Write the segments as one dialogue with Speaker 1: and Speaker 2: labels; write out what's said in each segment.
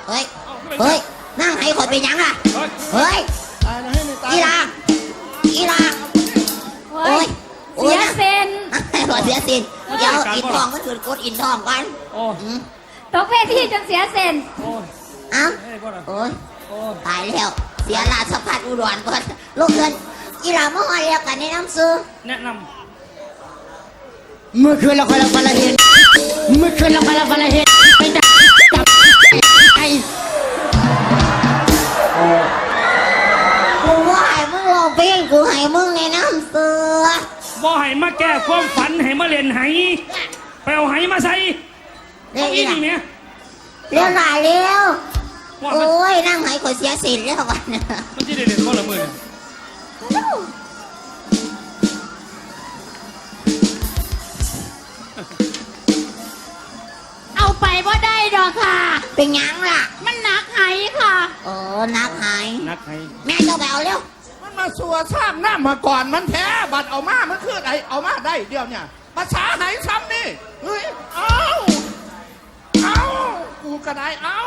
Speaker 1: เฮ้ยเฮ้ยนั่งให้คนเป็นยังอ่ะเฮ้ยอีลาอีลาโอ้ย
Speaker 2: เสียเซน
Speaker 1: เสียสินเดี๋ยวอินทองก็คือกดอินทองกัน
Speaker 2: ตกเวทีจนเสียเซน
Speaker 1: อ้าวโอ้ยตายแล้วเสียราชพัฒอุดรก่อนลูกเงินอีหลาเมื่อวานเรียกกันแนะนำซื้อ
Speaker 3: แนะน
Speaker 4: ำเมื่อคืนเราคนละเห็นเมื่อคืนเราคนละเห็นไปจับไอ้
Speaker 1: กูว่าให้มึงลองเพลงกูให้มึงแนะนำซื้อ
Speaker 3: บ่ให้มาแก้ความฝันให้มาเล่นไหไปเอาไหมาใส่เอาอีนี่เนี่ย
Speaker 1: เร็วหลายเร็วโอ้ยนั่งไหคนเสียสินแล้ววันนี้
Speaker 3: มันจะได้เล่นบ่ละมือ
Speaker 2: เอาไปว่าได้ดอกค่ะ
Speaker 1: เป็นยังล่ะ
Speaker 2: มันหนักไหค่ะ
Speaker 1: โอ้นักไหแม่เจ้าไปเอาเร็ว
Speaker 4: มันมาสัวสร้างหน้ามาก่อนมันแท้บัดเอามามันคือไอเอามาได้เดียวเนี่ยภาษาไหนซ้ำนี่เฮ้ยเอากูกระไดเอา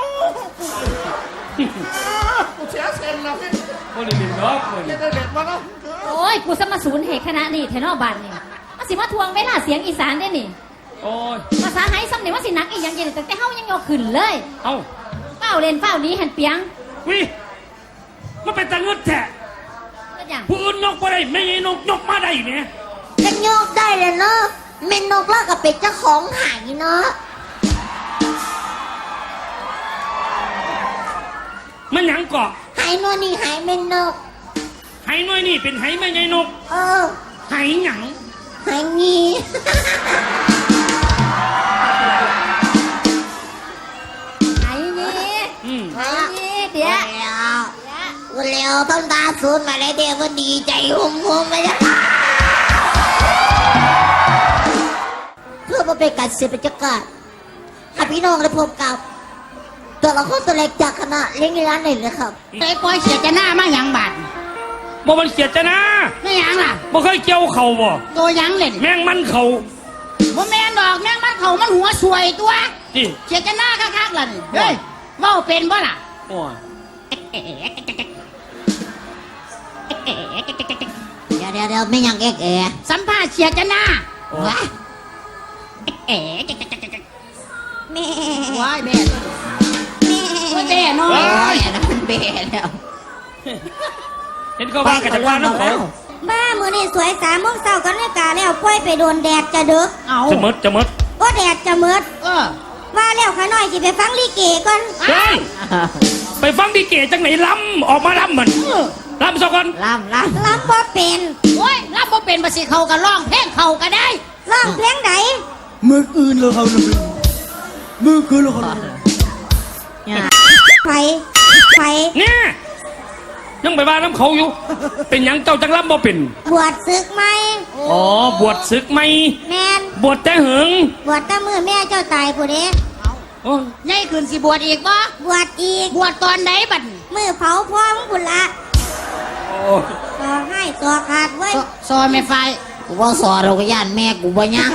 Speaker 4: กูเสียเซนแล้วพี่
Speaker 3: โอ้ยเด็ดดอก
Speaker 4: เด็ดมาแล้ว
Speaker 2: โอ้ยกูสมาศูนย์เหตุคณะนี่เทนอบันนี่มาสิมาทวงเวลาเสียงอีสานได้นี่
Speaker 3: โอ้ย
Speaker 2: ภาษาไทยซ้ำเนี่ยว่าสินักอีกอย่างเย็นแต่เฮายังยกขึ้นเลย
Speaker 3: เอ้า
Speaker 2: เฝ้าเล่นเฝ้านี้หันเปียง
Speaker 3: วิมันเป็นตะงึดแท้ผู้อื่นนกมาได้ไม่นกยกมาได้เนี่ย
Speaker 1: จะยกได้เลยเนาะเมนนกแล้วกับเป็ดเจ้าของหายเนาะ
Speaker 3: มันหยังเกาะ
Speaker 1: หายนวลนี่หายเมนนก
Speaker 3: หายน้อยนี่เป็นหายไม่ใช่นกหายหยัง
Speaker 1: หายงี้
Speaker 2: หายงี้หายงี้เดี๋ยว
Speaker 1: เร็วต้องตาสูนมาเลยเดี๋ยวก็ดีใจหุ่มๆไปจ้ะเพื่อมาเป็นการเสียบรรยากาศให้พี่น้องได้พบกับตัวละครตัวเล็กจากคณะเลี้ยงร้านหนึ่งเลยครับ
Speaker 4: ไอ้ปอยเสียจะหน้ามาหยังบาด
Speaker 3: บ่มันเสียจะนะ
Speaker 4: ไม่หยังล่ะ
Speaker 3: บ่เคยเกี่ยวเข่าบ่
Speaker 4: ตัวหยังเลย
Speaker 3: แมงมันเข่า
Speaker 4: บ่แมงดอกแมงมันเข่ามันหัวสวยตัวเสียจะหน้าคักๆล่ะนี่เฮ้ยเว้าเป็นบ่ล่ะ
Speaker 3: โอ้
Speaker 1: เดี๋ยวไม่ยังแก่
Speaker 4: สัมภาษณ์เสียจะหน้า
Speaker 1: ว้าแม่
Speaker 4: ว้ายแม่แม่น้อย
Speaker 1: มันเบะแล้ว
Speaker 3: เห็นเขาบ้ากับจักรวาลน้ำเขา
Speaker 1: บ้ามือนี่สวย3 โมงเช้ากันเลยกาแล้วปล่อยไปโดนแดดจะดึก
Speaker 3: จะมด
Speaker 1: ก็แดดจะมืดว่าแล้วข้าน้อยสิไปฟังลิเกก่อน
Speaker 3: ไปฟังลิเกจังไหนล้ำออกมาล้ำมันล้ำสักคน
Speaker 1: ล้ำบ่เป็น
Speaker 4: โอ้ยล้ำบ่เป็นมาสิเขาก็ร้องเพลงเขาก็ได้
Speaker 1: ร้องเพลงไหน
Speaker 4: มืออื่นเลยเขามือคืนเลยเขา
Speaker 1: ไฟ
Speaker 3: เนี่ยยังไปบ้านน้ำเขาอยู่เป็นยังเจ้าจังล้ำบ่เป็น
Speaker 1: บวชศึกไหม
Speaker 3: อ๋อบวชศึกไหม
Speaker 1: แมน
Speaker 3: บวชแต่หึง
Speaker 1: บวชแต่มือแม่เจ้าตายผู้เด้
Speaker 4: ใหญ่ขึ้นสิบวชอีกบ่
Speaker 1: บวชอีก
Speaker 4: บวชตอนไหนบัด
Speaker 1: มือเผาพ่อมึงบุญละต่อให้ตัวขาดไว้
Speaker 4: ซอยแม่ไฟ
Speaker 1: กูว่าสอเราก็ย่านแม่กูบ่ยัง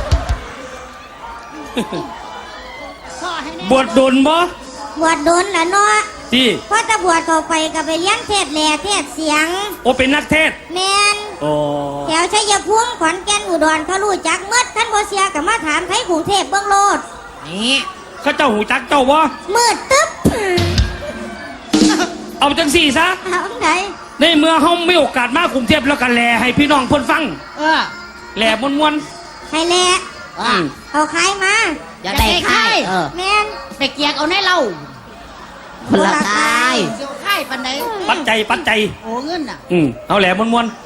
Speaker 3: บวชโดนบ่
Speaker 1: บวชโดนละเนาะ
Speaker 3: ที่
Speaker 1: พอจะบวชเข้าไปก็ไปเลี้ยงเทศแหล่เทศเสียง
Speaker 3: โอเป็นนักเทศ
Speaker 1: แมน
Speaker 3: โอ้
Speaker 1: แถวชัยภูมิขอนแก่นอุดรเขารู้จักเมื่อท่านบ่เสียกับมาถามไทยกรุงเทพเบื้องโลด
Speaker 3: นี่เขาเจ้าหูจักเจ้าบ่
Speaker 1: มืดตึ๊บ
Speaker 3: เอาจังสี่ซะ
Speaker 1: เอาไหน
Speaker 3: ในเมื่อเฮามีโอกาสมากรุงเทพแล้วกันแหล่ให้พี่น้องเพิ่นฟังแหล่มวน
Speaker 1: ให้แหล่เอาใครมา
Speaker 4: อย่าได้ใคร
Speaker 1: แมน
Speaker 4: ไปเกียกเอาในเรา
Speaker 1: คนละใคร
Speaker 4: เสียวไข่ปันไหน
Speaker 3: ปัจจัย
Speaker 4: โอ้เงินน่ะ
Speaker 3: เอาแหล่มวน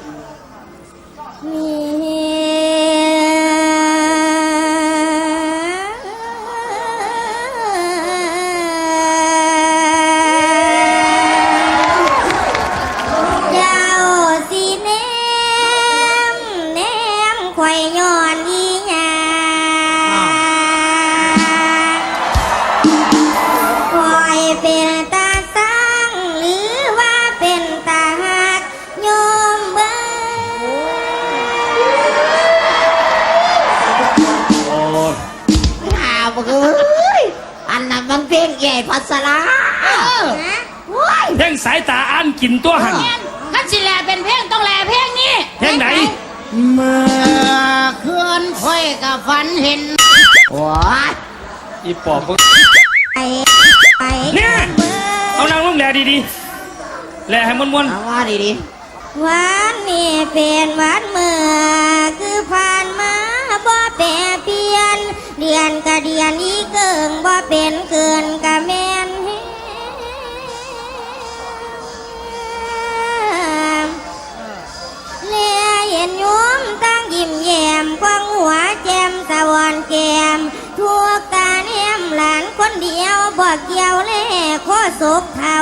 Speaker 1: เป็นตาสังหรือว่าเป็นตาหักโยมเบิ่ใหญ่พัสลาว้าย
Speaker 3: เพลงสายตาอ่านกินตัวหัน
Speaker 2: คันสิแลเป็นเพลงต้องแลเพลงนี้
Speaker 3: เพลงไหน
Speaker 5: เมื่อคืนค่อยกับฝันเห็น
Speaker 1: ว้าย
Speaker 3: อีปอบ
Speaker 1: ไปไป
Speaker 3: เนี่ยเอานางลงแหล่ดีๆแหล่ให้ม้วน
Speaker 1: เอาว่าดีๆวันนี้เป็นวันเมื่อคือผ่านมาบ่แปรเปลี่ยนเดือนกะเดือนอีเกิงบ่เป็นเกินกะแม่นเลียเห็นโยมตั้งยิ้มแย้มควงหัวแจ่มสะวอนแก้มทั่วการแอมหลานคนเดียวบ่เกี่ยวแลโคศกเท่า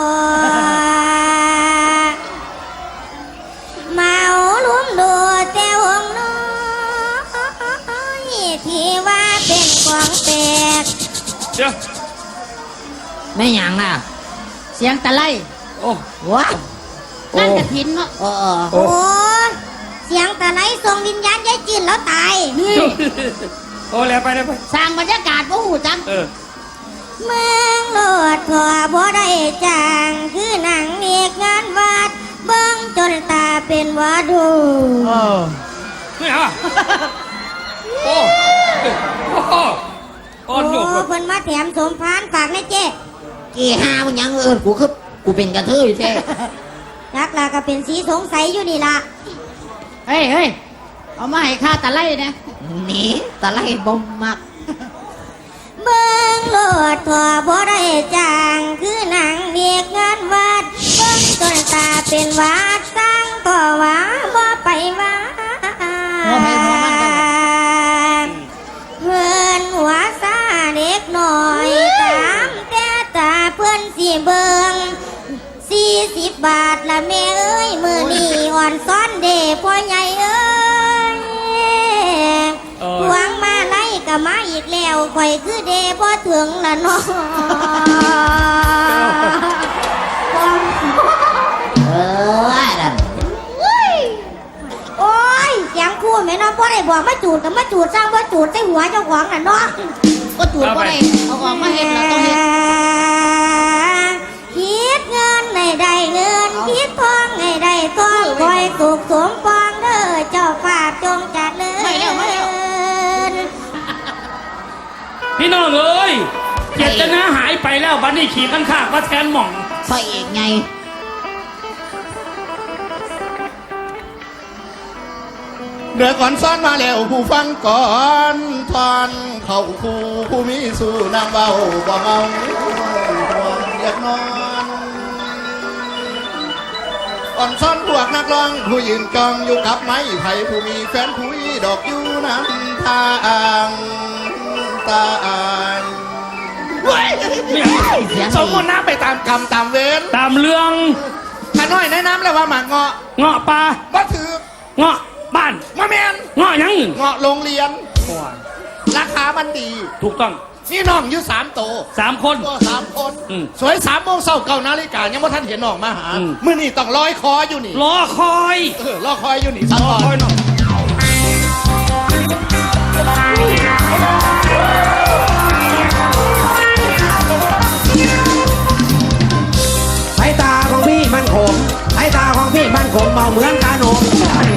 Speaker 1: เมาลุ้มดูแต่วงน้อยที่ว่าเป็นของแปลก
Speaker 3: ๆเดี๋ยว
Speaker 5: ไม่หยังน่ะ เสียงตะไล
Speaker 3: โอ้
Speaker 1: ว้า
Speaker 5: นั่นกระถินเนาะ
Speaker 1: โอ้เสียงตะไลส่งวิญญาณยายจืนแล้วตาย
Speaker 3: โอ้แล้วไปแล้วไป
Speaker 5: สร้างบรรยากาศบ่หูจัง
Speaker 3: เออ
Speaker 1: เมืองโลดทั่วบ่ได้จางคือหนังเอกงานวัดเบิ่งจนตาเป็นวาดู
Speaker 3: ไม่เอาอะโอ้โอ้อ่อนโยก
Speaker 1: เพิ่นมาแถมสมพานฝากนะเจ๊กี่หามันยังเอิ้นกูคือกูเป็นกระเทยแท้จักลาก็เป็นสีสงสัยอยู่นี่ล่ะ
Speaker 5: เฮ้ยเฮ้ยเอามาให้ข้าตะไลนะ
Speaker 1: นี่ตะไลบ่มัก เบิ่งโลดทั่วบ่ได้จางคือหนังเรียกงานวัดเบิ่งจนตาเป็นวาดสร้างก็ว่าบ่ไปว่า
Speaker 5: หัวไปหัวมันกัน
Speaker 1: เพื่อนหัวซาเด็กหน่อยตามแต่ตาเพื่อนสิเบิ่ง40 บาทละแม่เอ้ยมื้อนี้อ่อนซ้อนเด้พ่อใหญ่เอ้ย หวังมาไล่ก็มาอีกแล้วข่อยคือเดพอถึงละเนาะโอ้ยเสียงคู่แม่น้องพ่อได้บอกมาจูดกับมาจูดสร้างมาจูดใส่หัวเจ้าของน่ะเนาะ
Speaker 5: ก็จูดก็ได้เอาออกมาเห็นแล้วต้องเห็น
Speaker 1: คิดเงินให้ได้เงินคิดทองให้ได้ทองคอยสุขสมปองเด้อเจ้าฝากจงจัดเลย
Speaker 3: พี่น้องเอ้ยเจตนาหายไปแล้วบัดนี้ขี่ข้างๆมาแทนหม่อง
Speaker 1: พระเอกไง
Speaker 4: เดือก่อนซ้อนมาแล้วผู้ฟังก่อนทอนเข้าคู่ผู้มีสู่นางเบาบ่เมาห่วงอยากนอนอ่อนซ้อนพวกนักร้องผู้ยืนกองอยู่กับไม้ไผ่ผู้มีแฟนผู้ดอกอยู่น้ำทางตายสมมติน้ำไปตามกรรมตามเวร
Speaker 3: ตามเรื่อง
Speaker 4: ข้าน้อยแนะนำแล้วว่าหมากเงาะ
Speaker 3: เงาะปลา
Speaker 4: ก็ถือ
Speaker 3: เงาะบ้าน
Speaker 4: มะแมน
Speaker 3: เงาะหยัง
Speaker 4: เงาะโรงเรียน ราคามันดี
Speaker 3: ถูกต้อง
Speaker 4: นี่น้องอยู่3 โต
Speaker 3: 3 คน
Speaker 4: ก็3 คน
Speaker 3: อืม
Speaker 4: สวย3 โมงเช้า9 นาฬิกายังว่าท่านเห็นน้องมาหา
Speaker 3: อืม
Speaker 4: มื้อนี้ต้องรอยคออยู่นี่
Speaker 3: รอคอย
Speaker 4: รอคอยอยู่นี่สัก
Speaker 3: รอ
Speaker 4: ก่อน
Speaker 3: คอยหน่อย
Speaker 6: สายตาของพี่มันขมสายตาของพี่มันขมเมาเหมือนกาโนม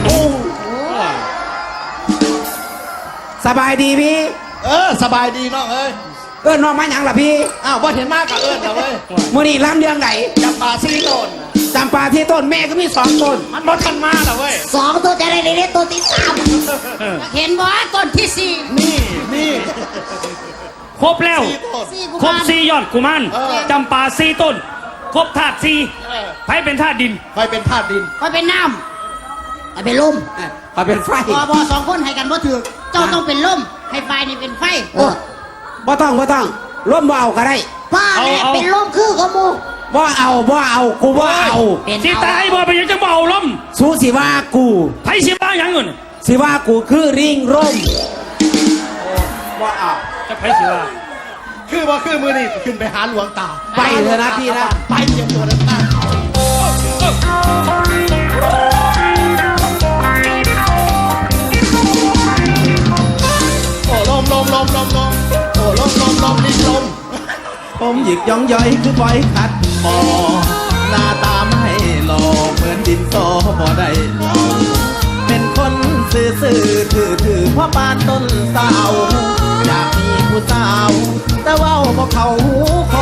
Speaker 6: สบายดีพี่
Speaker 4: สบายดีน้องเอ้ย
Speaker 6: เอิ้นน้องมาหยังล่ะพี่
Speaker 4: อ้าวว่าเห็นมากกับเอิญแล้วเว้ย
Speaker 6: มื่อนี้ล้ำเรื่องไหน
Speaker 4: จำปาซีโตน
Speaker 6: จำปาที่ต้นแม่ก็มี2 ต้น
Speaker 4: มันบ่ทันมาแล้วเว้ย
Speaker 1: 2 ตัวจะได้เล่นตัวที่
Speaker 5: เห็นบ่ต้นที่สี่
Speaker 4: นี่
Speaker 3: ครบแล้ว
Speaker 4: ซีโตน
Speaker 5: สี่กุ
Speaker 3: ครบ
Speaker 5: มาร
Speaker 3: 4 ยอดกุมาร
Speaker 4: เออ
Speaker 3: จำปา4 ต้น ครบธาตุ
Speaker 4: เออ
Speaker 3: 4ไผเป็นธาตุดิน
Speaker 4: ไปเป็นธาตุดิน
Speaker 5: คอยเป็นน้
Speaker 1: 3ไปลุ่ม
Speaker 6: ขอเป็นไฟ
Speaker 5: ำพอ2 คนให้กันบ่ถือเจ้าต้องเป็นลมให้ไฟนี่เป็นไฟ
Speaker 6: บ่ต้องร่มบ่เอาก็ได้
Speaker 1: ป้าเนี่ยเป็นลุ่มคือขโมู
Speaker 6: บ่เอากูบ่เอา
Speaker 1: เป็น
Speaker 3: สิตายบ่เป็นหยังจังบ่เอาล้ม
Speaker 6: สู้สิว่ากู
Speaker 3: ไผสิว่าหยังเงิน
Speaker 6: สิว่ากูคือริงร่มบ่เอา
Speaker 3: จะไผสิว่า
Speaker 4: คือว่าคือมือนี่ขึ้นไปหาหลวงตา
Speaker 6: ไปเถอะนะพี่นะ
Speaker 4: ไปเตรียมตัวเดินทาง โอ้ลมโอ้ลมนี่ลม
Speaker 6: ผมหยิกย่องย่อยคือปล่อยขัดหมอหน้าตาไม่หล่อเหมือนดินสอบ่ได้หล่อเป็นคนซื่อถือพ่อปานต้นสาวอยากมีผู้สาว แต่เว่าบ่เขาหูคน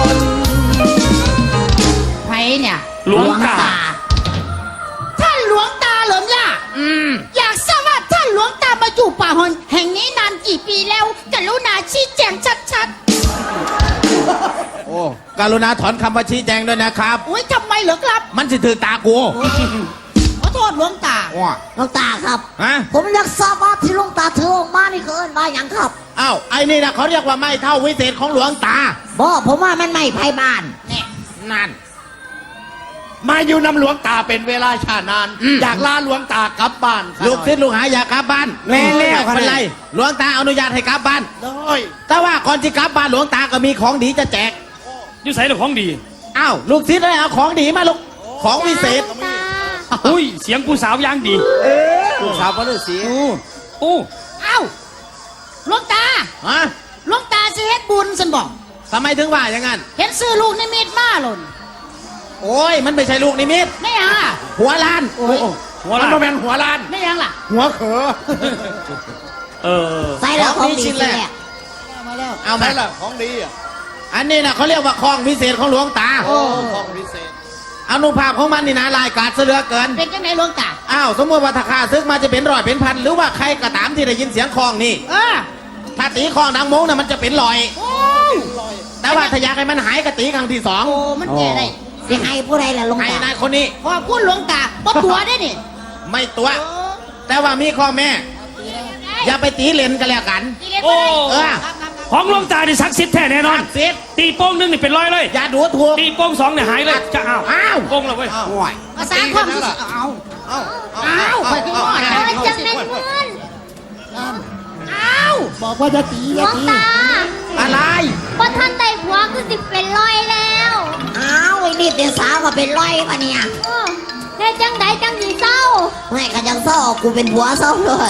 Speaker 5: ไผเนี่ย
Speaker 3: หลวงตา
Speaker 5: ท่านหลวงตาเหรอเนี่ยอยากทราบว่าท่านหลวงตามาอยู่ป่าหอนแห่งนี้นานกี่ปีแล้วกรุณาชี้แจงชัด
Speaker 6: โอ้กรุณาถอนคำว่าชี้แจงด้วยนะครับ
Speaker 5: ๆอุ้ยทำไมเหรอครับ
Speaker 6: มันสิถือตากู
Speaker 5: ขอโทษหลวงตา
Speaker 6: ว้า
Speaker 1: หลวงตาครับ
Speaker 6: ฮะ
Speaker 1: ผมอยากทราบว่าที่หลวงตาถือออกมานี่คือเอิ้นว่าหยังครับ
Speaker 6: อ้าวไอ้นี่นะเขาเรียกว่าไม่เท่าวิเศษของหลวงตา
Speaker 1: บ่ผมว่ามันไม่ไพ่บ้าน
Speaker 5: เนี่ย
Speaker 6: นั่น
Speaker 4: มาอยู่นำหลวงตาเป็นเวลาชานาน อยากลาหลวงตากลับบ้าน
Speaker 6: ลูกศิษย์ลูกหาอยากกลับบ้าน
Speaker 3: แม่แล้ว
Speaker 6: ไม่เป็นไรหลวงตาอนุญาตให้กลับบ้าน
Speaker 4: ได้
Speaker 6: แต่ว่าก่อนที่กลับบ้านหลวงตาก็มีของดีจะแจก
Speaker 3: อยู่ใส่หรือของดี
Speaker 6: อ้าวลูกศิษย์เลยเอาของดีมาลูกของวิเศษ
Speaker 3: อุ้ยเสียงผู้สาวย่างดี
Speaker 6: ลูกสาวพระฤาษี
Speaker 3: โอ้
Speaker 5: เอ้าหลวงตา
Speaker 6: ฮะ
Speaker 5: หลวงตาสิเฮ็ดบุญสันบอก
Speaker 6: ทำไมถึงว่าอย่างนั้น
Speaker 5: เห็นซื้อลูกนิมิตมาหล่น
Speaker 6: โอ้ยมันไม่ใช่ลูกนิมิต
Speaker 5: ไม่ยังอ่ะ
Speaker 6: หัวล้าน
Speaker 3: หัว
Speaker 4: มัน
Speaker 3: ละ
Speaker 4: มาเป็นหัวล้าน
Speaker 5: ไม่ยังล่ะ
Speaker 4: หัวเขอ
Speaker 3: เออ
Speaker 1: ใส่แล้วของดี
Speaker 6: ชิ้น
Speaker 1: สิ
Speaker 6: แรก
Speaker 1: แหละ
Speaker 5: มาแล้ว
Speaker 6: เอา
Speaker 4: ไหน
Speaker 6: มา
Speaker 4: ล่ะของดีอ่ะ
Speaker 6: อันนี้นะเขาเรียกว่าของวิเศษของหลวงตา
Speaker 4: ของพิเศษ
Speaker 6: อนุภาพของมันนี่นะลายกาดเสือเกิน
Speaker 5: เป็นจังไหนหลวงตา
Speaker 6: อ้าวสมมติว่าถ้าข้าซึกมาจะเป็นร้อยเป็นพันหรือว่าใครก็ตามที่ได้ยินเสียงคลองนี่
Speaker 5: เออ
Speaker 6: ถ้าตีคลองดังมงน่ะมันจะเป็นรอย
Speaker 5: โอ้
Speaker 6: แต่ว่าถ้าอยากให้มันหายก็ตีครั้งที่สอง
Speaker 5: โอ้มันแก่ได้
Speaker 1: สิให้ผู้ใดล่ะหลวง
Speaker 6: ให้
Speaker 1: ตา
Speaker 6: นายคนนี้
Speaker 5: ขอบคุณหลวงตาบ่ตัวได้นี่
Speaker 6: ไม่ตัว แต่ว่ามีข้อแม่ อย่าไปตีเลนกันแล้วกัน
Speaker 3: โอ้
Speaker 6: เออ
Speaker 3: ของหลวงตานี่ศักดิ์สิทธิ์แท้แน่นอน
Speaker 6: เสียด
Speaker 3: ตีโป้งหนึงนี่เป็นร้อยเลย
Speaker 6: อย่าดูถูก
Speaker 3: ตีโป้งสองเนี่ยหายเลย จะอ้าว
Speaker 6: อ้าว
Speaker 3: โป้งแล้วเว้ย
Speaker 6: โอ้ย
Speaker 5: ภาษาความรู้สึกเอา
Speaker 6: เอา
Speaker 5: อ้าวไปที่หม้อนะ
Speaker 1: จังแม่นเพื่อน
Speaker 5: อ้าว
Speaker 1: บอกว่าจะตี
Speaker 7: หล
Speaker 1: อย่าว
Speaker 7: ง
Speaker 1: ตี
Speaker 7: ตา
Speaker 6: อะไร
Speaker 7: พอท่านได้ผัวคือสิเป็นร้อยแล้ว
Speaker 1: อ้าวไอ้นี่เป็นสาวก็เป็นร้อยปะเนี่ย
Speaker 7: เออได้จังใดจังสีเศร้า
Speaker 1: ไม่ก็ยังเศร้ากูเป็นผัวเศร้าเลย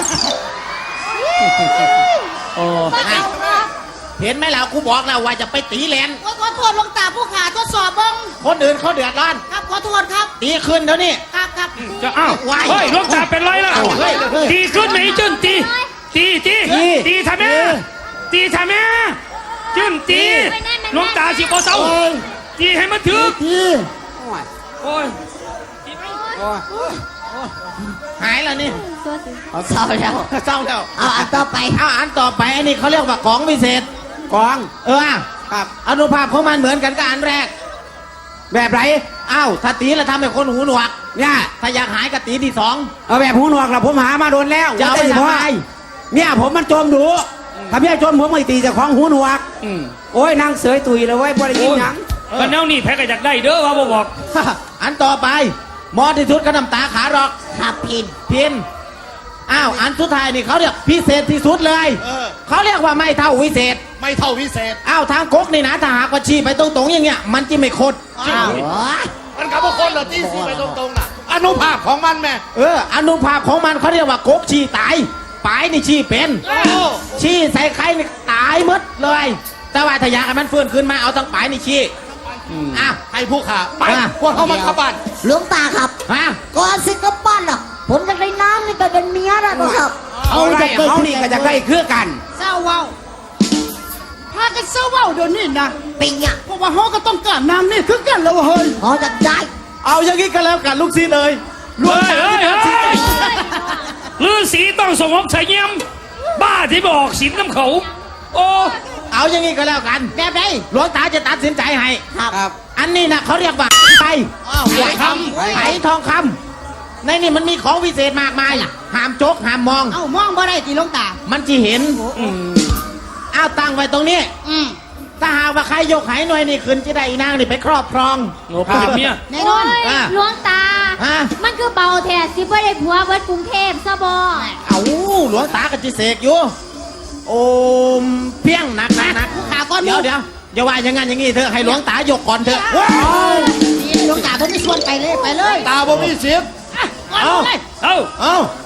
Speaker 3: โอ้
Speaker 7: บ่เอาครับ
Speaker 6: เห็นไหมล่ะกูบอกแล้วว่าจะไปตีเลน
Speaker 5: ขอโทษหลวงตาผู้ขาทดสอบเบิ้ง
Speaker 6: คนอื่นเขาเดือดร้อน
Speaker 5: ครับขอโทษครับ
Speaker 6: ตีขึ้นเดี๋ยวนี้
Speaker 5: ครับครับ
Speaker 3: จะอ้าว
Speaker 6: วาย
Speaker 3: เฮ้ยหลวงตาเป็นร้อยแล้ว
Speaker 6: เฮ้ย
Speaker 3: ตีขึ้นไหมจุนตีตีทำไมตีทำไมจุนตีหลวงตาสิบ่เศร้าตีให้มันถึกโอ้ยตีไหม
Speaker 6: หายแล้วนี่
Speaker 7: ตัวสิ
Speaker 1: เศร้าแล้ว
Speaker 6: เศร้าแล้ว
Speaker 1: เอาอันต่อไป
Speaker 6: เอาอันต่อไปอันนี้เขาเรียกว่าของวิเศษกองครับอนุภาพของมันเหมือนกันกับอันแรก แบบไรอ้าวถ้าตีแล้วทำให้คนหูหนวกเนี่ยถ้าอยากหายก็ตีที่สอง
Speaker 8: เอาแบบหูหนวกละผมหามาโดนแล้ว
Speaker 6: จะเอาไป
Speaker 8: ว่แต่
Speaker 6: ทำไม
Speaker 8: เนี่ยผมมันโจมดูถ้าเมียโจมผมไม่ตีเจากของหูหนวก
Speaker 3: อืม
Speaker 8: โอ้ยนางเสยตุยเลยเว้ยบ่ได้ยินหยัง
Speaker 3: กันแนวนี่แพ้ก็อยากได้เด้อว่าบ่บอก
Speaker 6: อันต่อไปหมอที่สุดก็น้ำตาขาหรอก
Speaker 1: ขับพิน
Speaker 6: พินอ้าวอันสุดท้ายนี่เขาเรียกพิเศษที่สุดเลย เขาเรียกว่าไม่เท่าวิเศษ
Speaker 4: ไม่เท่าวิเศษ
Speaker 6: อ้าวทางก๊กนี่นะถ้าหากว่าชี้ไปตรงๆอย่างเงี้ยมันจะไม่คด
Speaker 4: อ้าว
Speaker 1: โอ้ย
Speaker 4: มันกับพวกคนเหรอที่ซีไปตรงๆน่ะอนุภาพของมันแม่
Speaker 6: อนุภาพของมันเขาเรียกว่าก๊กชี้ตายปลายนี่ชี้เป็น
Speaker 4: โอ้
Speaker 6: ชี้ใส่ใครนี่ตายหมดเลย แต่ว่าถ้าอยากให้มันฟื้นขึ้นมาเอาทั้งปลายนี่ชี้อ้าว
Speaker 4: ให้ผู้ขาไป
Speaker 6: อ่ะ
Speaker 4: พวกเขามันเข้าบ้าน
Speaker 1: หลวงตาครับ
Speaker 6: ฮะ
Speaker 1: ก่อนสิกลับบ้านน่ะผมจะได้น้ำนี่ไปเป็นเมียแล้วนะครับ
Speaker 8: เอาไรเขานี่ก็จะได้คือกัน
Speaker 5: เศร้าเว้าพากันเศร้าเว้าเดี๋ยวนี้นะ
Speaker 1: ปิงอ่ะ
Speaker 5: เพราะว่าเฮาก็ต้องการน้ำนี่คือกันแล้วเฮ้ย
Speaker 1: พอจะได้
Speaker 6: เอาอย่างนี้ก็แล้วกันลูกศิษย์เลย
Speaker 3: เฮ้ยเฮ้ยเฮ้ยฤาษีต้องสงบเสงี่ยมบ้าที่บอกศีลน้ำเขา โอ้
Speaker 6: เอาอย่างนี้ก็แล้วกัน
Speaker 5: แบบไหน
Speaker 6: หลวงตาจะตัดสินใจให้
Speaker 1: ครับ
Speaker 6: อันนี้นะเขาเรียกว่าไป
Speaker 4: ไหวค
Speaker 6: ไหทองคำในนี่มันมีของวิเศษมากมายห้ามจกห้ามมอง
Speaker 5: เอ้ามองบ่ได้ติหลวงตา
Speaker 6: มันจะเห็นเอาตั้งไว้ตรงนี้
Speaker 5: อืม
Speaker 6: ถ้าหากว่าใครยกไหหน่วยนี่ขึ้นจะได้อีนางนี่ไปครอบครอง
Speaker 3: โหเป็นเมีย
Speaker 5: แน่นอน
Speaker 7: โอ้ย
Speaker 6: อ่ะ
Speaker 7: หลวงตา
Speaker 6: ฮะ
Speaker 7: มันคือเบาแท้สิบ่ได้ผัวเบิดกรุงเทพซะบ่
Speaker 6: เอาหลวงตาก็จะเสกอยู่ โอมเพียงหนักหนัก
Speaker 5: ผู้ขาก่อน
Speaker 6: เดี๋ยวอย่าว่าอย่างงั้นอย่างงี้เถอะให้หลวงตายกก่อนเถอะ
Speaker 5: หลวงตาเพิ่นไม่ชวนไปเลยไปเลย
Speaker 4: ำตาบ่มีสิทธิ์
Speaker 5: เอาเลย
Speaker 3: เอ้า
Speaker 6: เอา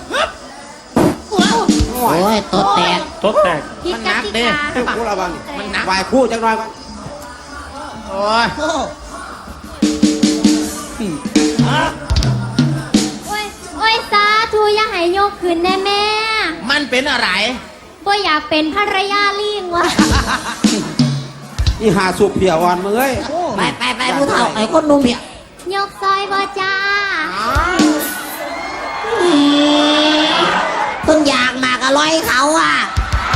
Speaker 1: โอ้ยตัวแตก
Speaker 3: ตดแตก
Speaker 7: ผิด
Speaker 6: มันหนั
Speaker 7: ก
Speaker 6: ก
Speaker 7: ติ
Speaker 6: เด้
Speaker 7: กา
Speaker 8: คู่ระวัง
Speaker 6: มันหนัก
Speaker 8: วายคู่จังหน่อยก่อน
Speaker 5: โอ้ย
Speaker 7: โอ้ยสาธุอย่าให้ยกขึ้นแน่แม่
Speaker 5: มันเป็นอะไร
Speaker 7: บ่อยากเป็นภรรยาลิงวะ
Speaker 8: อีหาสุกเพียอ่อนมึงเอ้ย
Speaker 1: ไปผู้เฒ่าไอ้คนหนุ่มเนี่ย
Speaker 7: ยกซอยบ่จ้า
Speaker 1: เพิ่งอยากมากอร่อยเขาอ่ะ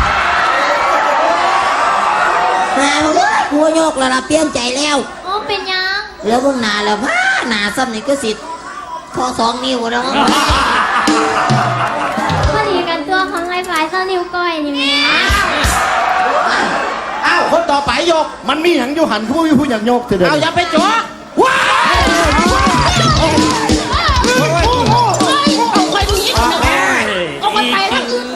Speaker 1: แม่มึงหัวโยกแล้วล่ะเปลี่ยนใจแล้ว
Speaker 7: โอ้เป็นยัง
Speaker 1: แล้วมึงหนาแล้วพ้าหนาซ้ำนี่ก็สิพอ2 นิ้วแล้ว
Speaker 7: พอดีกันตัวของไอ้ฝ่ายเจ้านิ้วก้อยนี่แม่
Speaker 5: อ้าวคนต่อไปยก
Speaker 4: มันมีหยังอยู่หันผู้อยากโยกเถอะเด้อ
Speaker 5: เอาอย่าไปจ่อว้ายเอาไปดูนี่เอาไปแล้ว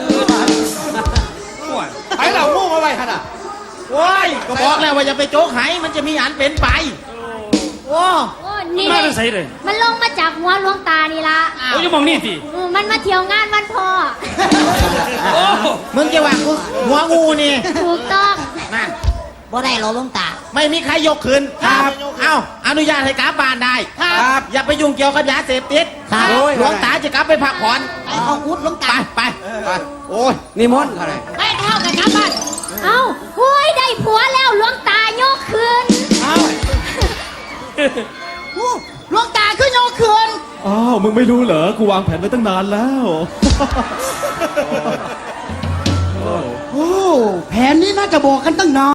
Speaker 4: ไปเรางูมาไว้ขนาด
Speaker 5: โอ้ยก็บอกแล้วว่าอย่าไปโจกไหมันจะมีอันเป็นไปโอ้
Speaker 7: โอ้นี่
Speaker 3: มา
Speaker 7: เล
Speaker 3: ได้
Speaker 7: ย
Speaker 3: ใส่เลย
Speaker 7: มันลงมาจากหัวหลวงตานี่ละ
Speaker 3: โอ้ยอย่ามองนี่สิ
Speaker 7: มันมาเที่ยวงานวันพ่อ
Speaker 3: โอ้
Speaker 5: มึงจะว่ากูหัวงูนี่
Speaker 7: ถูกต้อง
Speaker 5: นั่น
Speaker 1: บ่ได้หรอกหลวงตา
Speaker 5: ไม่มีใครยกคืนเอาอนุญาตให้กลับบ้านได้
Speaker 8: ครับ
Speaker 5: อย่าไปยุ่งเกี่ยวกับยาเสพติด
Speaker 1: ครับ
Speaker 5: หลวงตาจะกลับไปพักผ่อน
Speaker 1: ไอ้ของอุดหลวง
Speaker 5: ไป
Speaker 1: ตา
Speaker 5: ไปโอ้ย
Speaker 8: นิมนต์อะไร
Speaker 5: ไปเข้ากันกลับบ้าน
Speaker 7: เอ้าโอ้ยได้ผัวแล้วหลวงตายกคืน
Speaker 5: หลวงตาขึ้นโยกคืน
Speaker 6: อ้าว มึงไม่รู้เหรอ กูวางแผนไว้ตั้งนานแล้ว
Speaker 5: โอ้แผนนี้น่าจะบอกกันตั้งนาน